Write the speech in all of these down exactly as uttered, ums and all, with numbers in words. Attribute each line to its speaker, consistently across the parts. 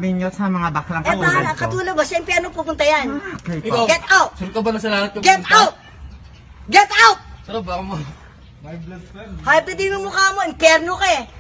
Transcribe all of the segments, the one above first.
Speaker 1: sinasabi nyo sa mga baklang
Speaker 2: Eh,
Speaker 1: katulad
Speaker 2: para,
Speaker 1: ko?
Speaker 2: katulad ba? Siyempre, ano pupunta yan?
Speaker 1: Ah, okay po.
Speaker 3: Ikaw,
Speaker 2: Get out!
Speaker 3: sure ka ba na sa lahat yung
Speaker 2: Get
Speaker 3: pumunta?
Speaker 2: out! Get out!
Speaker 3: Sarap, baka mo.
Speaker 2: Hype din yung mukha mo, impyerno ka eh.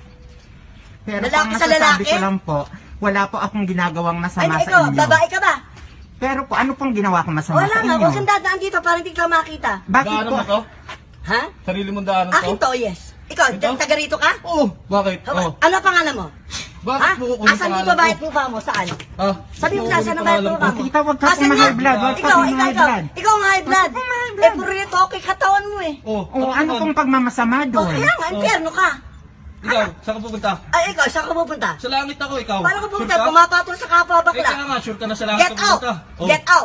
Speaker 1: Pero
Speaker 2: lalaki
Speaker 1: kung
Speaker 2: sa
Speaker 1: masasabi
Speaker 2: lalaki?
Speaker 1: ko lang po, wala po akong ginagawang
Speaker 2: Ay,
Speaker 1: masama sa
Speaker 2: ikaw,
Speaker 1: inyo.
Speaker 2: babae ka ba?
Speaker 1: Pero po, ano pong ginawa ko masama
Speaker 2: Wala
Speaker 1: sa
Speaker 2: nga,
Speaker 1: inyo?
Speaker 2: huwag kang dadaan dito para hindi ka makita.
Speaker 1: Bakit
Speaker 3: Daanan
Speaker 1: po?
Speaker 3: mo to?
Speaker 2: Ha?
Speaker 3: Sarili mong daanan
Speaker 2: Akin
Speaker 3: to?
Speaker 2: to, yes. Ikaw,
Speaker 3: Ito?
Speaker 2: taga rito ka?
Speaker 3: Oo, bakit?
Speaker 2: Ha-
Speaker 3: Oo.
Speaker 2: Ano ang pangalan mo?
Speaker 3: Bakit
Speaker 2: Ha?
Speaker 3: mo kukunin
Speaker 2: Asan
Speaker 3: pangalan
Speaker 2: yung babae
Speaker 3: ko?
Speaker 2: at mukha mo? Saan?
Speaker 3: Ha?
Speaker 2: Sabi mo
Speaker 3: Bakit
Speaker 2: na, saan ang babae at
Speaker 3: pangalan
Speaker 2: mukha
Speaker 3: ko?
Speaker 2: mo?
Speaker 1: Tita, wag ka
Speaker 2: Asan
Speaker 1: pong
Speaker 2: nga?
Speaker 1: high blood, wag ka
Speaker 2: Ikaw,
Speaker 1: pong
Speaker 2: ikaw,
Speaker 1: high
Speaker 2: ikaw.
Speaker 1: blood.
Speaker 2: Ikaw ang high blood.
Speaker 1: Wag ka pong high
Speaker 2: Eh,
Speaker 1: blood.
Speaker 2: puro rito, okay katawan mo eh.
Speaker 3: Oo.
Speaker 1: O ano pong pagmamasama
Speaker 2: O,
Speaker 1: doon?
Speaker 2: kaya nga, impyerno ka.
Speaker 3: Ikaw, saan ka pupunta?
Speaker 2: Ay, ikaw, saan ka pupunta?
Speaker 3: Sa langit ako, ikaw.
Speaker 2: Paano ka pupunta?
Speaker 3: Sure ka?
Speaker 2: Pumapatol sa kapwa
Speaker 3: Eh, kaya
Speaker 2: bakla.
Speaker 3: nga, sure ka na sa langit
Speaker 2: Get
Speaker 3: ka
Speaker 2: out!
Speaker 3: pupunta. Oh.
Speaker 2: Get out!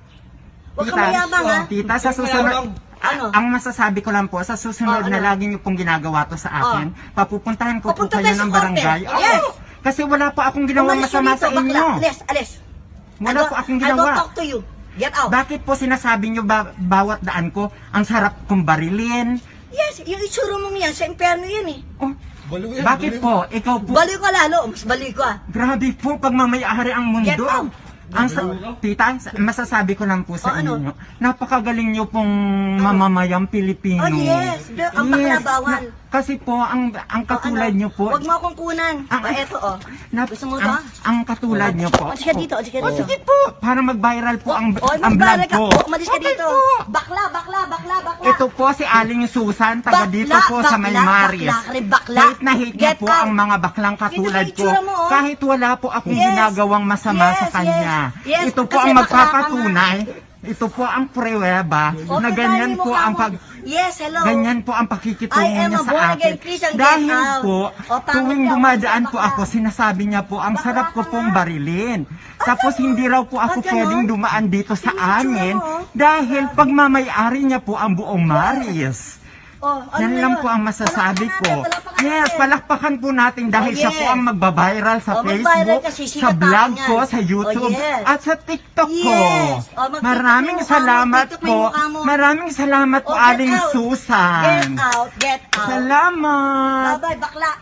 Speaker 2: Huwag ka
Speaker 1: Tita,
Speaker 2: mayabang ha.
Speaker 1: Tita, sa
Speaker 3: Kaya
Speaker 1: susunod,
Speaker 3: lang.
Speaker 2: Ano?
Speaker 1: ang masasabi ko lang po, sa susunod
Speaker 2: Oh,
Speaker 1: na
Speaker 2: ano?
Speaker 1: lagi niyo pong ginagawa to sa akin, papupuntahan ko po
Speaker 2: Pupunta
Speaker 1: kayo
Speaker 2: tayo sa
Speaker 1: ng
Speaker 2: korte.
Speaker 1: barangay. Oo.
Speaker 2: Yes.
Speaker 1: Kasi wala po akong ginawang
Speaker 2: Umalis ka
Speaker 1: masama
Speaker 2: dito,
Speaker 1: sa
Speaker 2: bakla.
Speaker 1: inyo.
Speaker 2: Alis, alis.
Speaker 1: Wala
Speaker 2: I don't-
Speaker 1: po akong
Speaker 2: I don't
Speaker 1: ginawa.
Speaker 2: talk to you. Get out.
Speaker 1: Bakit po sinasabi niyo ba, bawat daan ko, ang sarap kong barilin?
Speaker 2: Yes, yung itsura mong yan, sa impyerno yan eh.
Speaker 1: Oh,
Speaker 3: Baliw yan,
Speaker 1: bakit
Speaker 3: baliw.
Speaker 1: po? Ikaw po,
Speaker 2: Baliw ka lalo, mas baliw ka.
Speaker 1: grabe po, pagmamayari ang mundo.
Speaker 2: Get out.
Speaker 1: Ang sa, tita, masasabi ko lang po sa
Speaker 2: Oh, ano?
Speaker 1: inyo, napakagaling niyo pong mamamayang Pilipino.
Speaker 2: Oh yes, The- ang bakla bawal.
Speaker 1: Na- kasi po, ang ang katulad
Speaker 2: Oh, ano?
Speaker 1: niyo po,
Speaker 2: Huwag mo akong kunan.
Speaker 1: Ang-
Speaker 2: O, eto oh.
Speaker 1: na-
Speaker 2: Gusto mo to?
Speaker 1: ang, ang katulad niyo po.
Speaker 2: O, sige dito, o, sige
Speaker 1: Oh,
Speaker 2: dito.
Speaker 1: sige po, para mag-viral po ang,
Speaker 2: O,
Speaker 1: ang vlog
Speaker 2: magbalag ka.
Speaker 1: ko.
Speaker 2: O, umalis ka
Speaker 1: Okay
Speaker 2: dito.
Speaker 1: po.
Speaker 2: Bakla, bakla, bakla, bakla.
Speaker 1: Ito po si Aling Susan, taga
Speaker 2: Bakla,
Speaker 1: dito po sa May
Speaker 2: bakla,
Speaker 1: Marias.
Speaker 2: bakla ka rin, bakla.
Speaker 1: Hate na hate niya
Speaker 2: Get
Speaker 1: po
Speaker 2: out.
Speaker 1: ang mga baklang katulad
Speaker 2: Ito
Speaker 1: ko.
Speaker 2: yung itsura mo, oh.
Speaker 1: Kahit wala po akong
Speaker 2: Yes.
Speaker 1: ginagawang masama
Speaker 2: Yes,
Speaker 1: sa kanya.
Speaker 2: yes. Yes,
Speaker 1: Ito po
Speaker 2: kasi
Speaker 1: ang
Speaker 2: bakla ka
Speaker 1: magpapatunay. Ito po ang pruweba
Speaker 2: O,
Speaker 1: na
Speaker 2: tingnan
Speaker 1: ganyan
Speaker 2: mo
Speaker 1: po
Speaker 2: mukha
Speaker 1: ang
Speaker 2: mo.
Speaker 1: pag...
Speaker 2: Yes, hello.
Speaker 1: Ganyan po ang pakikitungo
Speaker 2: I am
Speaker 1: niya
Speaker 2: a
Speaker 1: sa
Speaker 2: born
Speaker 1: akin.
Speaker 2: again Christian, get
Speaker 1: Dahil
Speaker 2: out.
Speaker 1: po,
Speaker 2: O, pangit
Speaker 1: tuwing
Speaker 2: ka,
Speaker 1: dumadaan
Speaker 2: bakla.
Speaker 1: po ako, sinasabi niya po, ang
Speaker 2: Bakla
Speaker 1: sarap ko
Speaker 2: ka
Speaker 1: pong
Speaker 2: nga.
Speaker 1: barilin. Tapos hindi raw po ako
Speaker 2: Ah, ganon?
Speaker 1: pwedeng dumaan dito sa
Speaker 2: Yung itsura
Speaker 1: amin
Speaker 2: mo, oh.
Speaker 1: dahil pagmamayari niya po ang buong Marias.
Speaker 2: O, ano
Speaker 1: Yan
Speaker 2: na
Speaker 1: lang
Speaker 2: yun?
Speaker 1: po ang masasabi
Speaker 2: Palakpakan
Speaker 1: ko.
Speaker 2: natin, palakpakan
Speaker 1: Yes,
Speaker 2: natin.
Speaker 1: palakpakan po natin dahil
Speaker 2: Oh,
Speaker 1: siya
Speaker 2: yes.
Speaker 1: po ang magbabiral sa
Speaker 2: Oh, magviral
Speaker 1: Facebook,
Speaker 2: kasi sikat
Speaker 1: sa vlog
Speaker 2: tayo
Speaker 1: ko,
Speaker 2: yan.
Speaker 1: sa YouTube,
Speaker 2: Oh, yes.
Speaker 1: at sa TikTok ko.
Speaker 2: Yes. Oh, mag-TikTok
Speaker 1: Maraming
Speaker 2: mo yung mukha mo,
Speaker 1: salamat
Speaker 2: TikTok mo
Speaker 1: po.
Speaker 2: yung mukha mo.
Speaker 1: Maraming salamat po,
Speaker 2: Oh, get
Speaker 1: Aling
Speaker 2: out.
Speaker 1: Susan.
Speaker 2: Get out, get out.
Speaker 1: Salamat.
Speaker 2: Bye-bye, bakla.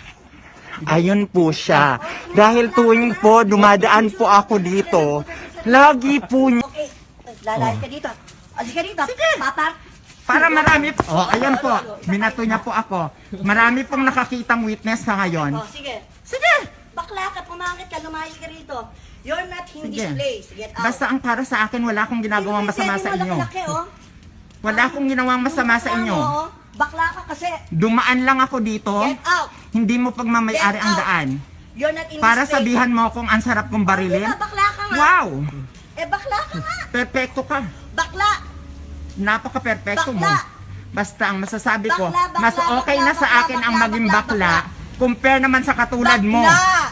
Speaker 1: Ayun po siya. Dahil tuwing po dumadaan po ako dito, lagi po niya...
Speaker 2: Okay, lalayas ka dito. Alis ka dito. Sige. Papar.
Speaker 1: Para marami... Oh, ayan po. Minato niya po ako. Marami pong nakakitang witness sa ngayon.
Speaker 2: Oh, sige.
Speaker 1: Sige.
Speaker 2: Bakla ka, pumangit ka, lumayas ka rito. You're not in this
Speaker 1: Sige.
Speaker 2: place. Get out.
Speaker 1: Basta ang para sa akin, wala akong ginagawang masama sa inyo.
Speaker 2: Laki, oh.
Speaker 1: Wala akong ginawang masama sa inyo.
Speaker 2: Mukha mo, oh. Bakla ka kasi.
Speaker 1: Dumaan lang ako dito.
Speaker 2: Get out.
Speaker 1: Hindi mo pagmamayari
Speaker 2: Get
Speaker 1: ang
Speaker 2: out.
Speaker 1: daan.
Speaker 2: You're not in
Speaker 1: Para
Speaker 2: this place.
Speaker 1: sabihan mo kung ang sarap kong barilin.
Speaker 2: Diba, bakla ka nga.
Speaker 1: Wow!
Speaker 2: Eh, bakla ka nga.
Speaker 1: Perfecto ka.
Speaker 2: Bakla.
Speaker 1: Napaka-perfecto mo.
Speaker 2: Bakla.
Speaker 1: Basta ang masasabi ko,
Speaker 2: Bakla, bakla,
Speaker 1: mas okay
Speaker 2: bakla,
Speaker 1: na sa
Speaker 2: bakla,
Speaker 1: akin ang
Speaker 2: bakla,
Speaker 1: maging
Speaker 2: bakla,
Speaker 1: bakla compare naman sa katulad mo.
Speaker 2: Bakla.